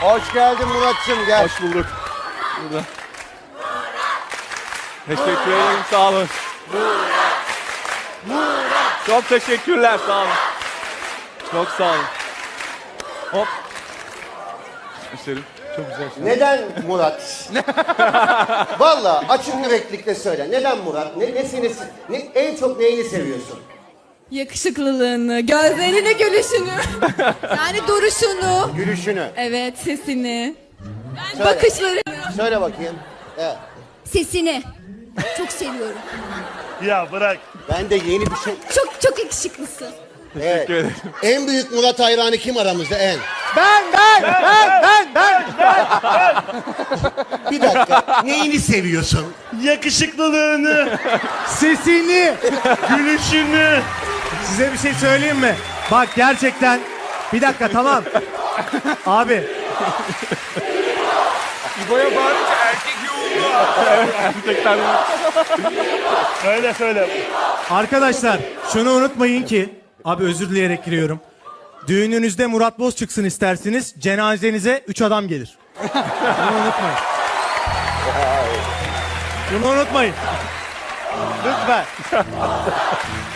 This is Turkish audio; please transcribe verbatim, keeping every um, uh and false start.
Hoş geldin Murat'cığım, gel. Hoş bulduk. Burada. Teşekkür ederim, sağ olun. Çok teşekkürler, sağ olun. Çok sağ olun. Hop. İsterim. Çok güzel şey. Neden Murat? Vallahi açık yüreklikle söyle. Neden Murat? Ne, ne seni, ne, en çok neyini seviyorsun? Yakışıklılığını, gözlerini, gülüşünü. Yani duruşunu. Gülüşünü. Evet, sesini. Söyle. Bakışlarını. Söyle bakayım. Evet. Sesini. Çok seviyorum. Ya bırak. Ben de yeni bir şey... Çok çok yakışıklısın. Evet. Teşekkür ederim. En büyük Murat hayranı kim aramızda en? Ben, ben, ben, ben, ben. Bir dakika. Neyini seviyorsun? Yakışıklılığını, Sesini. gülüşünü. Size bir şey söyleyeyim mi? Bak gerçekten. Bir dakika tamam. Abi İbo'ya bağırınca erkek yoğunluğu. Erkekler Söyle söyle. arkadaşlar şunu unutmayın ki. Abi özür dileyerek giriyorum. Düğününüzde Murat Boz çıksın isterseniz. Cenazenize üç adam gelir. Bunu unutmayın. Bunu unutmayın. Lütfen.